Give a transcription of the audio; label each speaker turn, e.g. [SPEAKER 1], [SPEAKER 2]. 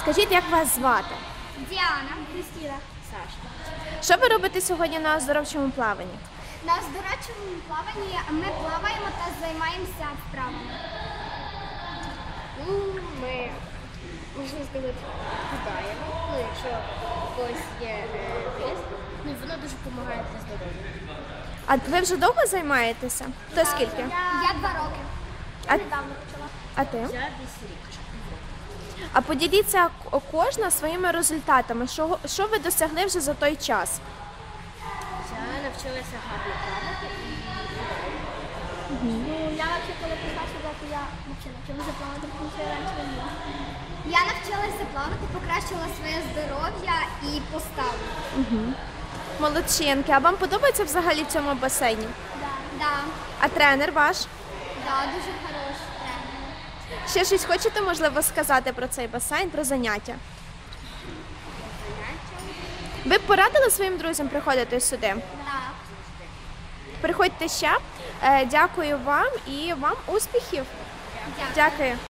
[SPEAKER 1] Скажіть, як вас звати?
[SPEAKER 2] Діана, Кристина, Саша.
[SPEAKER 1] Що ви робите сьогодні на оздоровчому плаванні?
[SPEAKER 2] На оздоровчому плаванні ми плаваємо та займаємося вправами.
[SPEAKER 3] Ми, можна сказати, кидаємо, якщо у когось є вес, воно дуже допомагає для здоров'я.
[SPEAKER 1] А ви вже довго займаєтеся? То скільки?
[SPEAKER 2] Я 2 роки.
[SPEAKER 1] А,
[SPEAKER 2] Недавно почала.
[SPEAKER 1] а ти?
[SPEAKER 3] Я десь рік.
[SPEAKER 1] А поділіться кожна своїми результатами. Що ви досягли вже за той час?
[SPEAKER 3] Я навчилася гарно плавати і
[SPEAKER 2] Я взагалі, коли прийшла сюди, то я навчилася плавати, тому що я раніше не вміла. Я навчилася плавати, покращила своє здоров'я і поставу.
[SPEAKER 1] Молодчинки. А вам подобається взагалі в цьому басейні?
[SPEAKER 2] Да,
[SPEAKER 1] А тренер ваш?
[SPEAKER 2] дуже хороший тренер.
[SPEAKER 1] Ще щось хочете, можливо, сказати про цей басейн, про заняття? Ви б порадили своїм друзям приходити сюди?
[SPEAKER 2] Да.
[SPEAKER 1] Приходьте ще. Дякую вам і вам успіхів.
[SPEAKER 2] Дякую.
[SPEAKER 1] Дякую.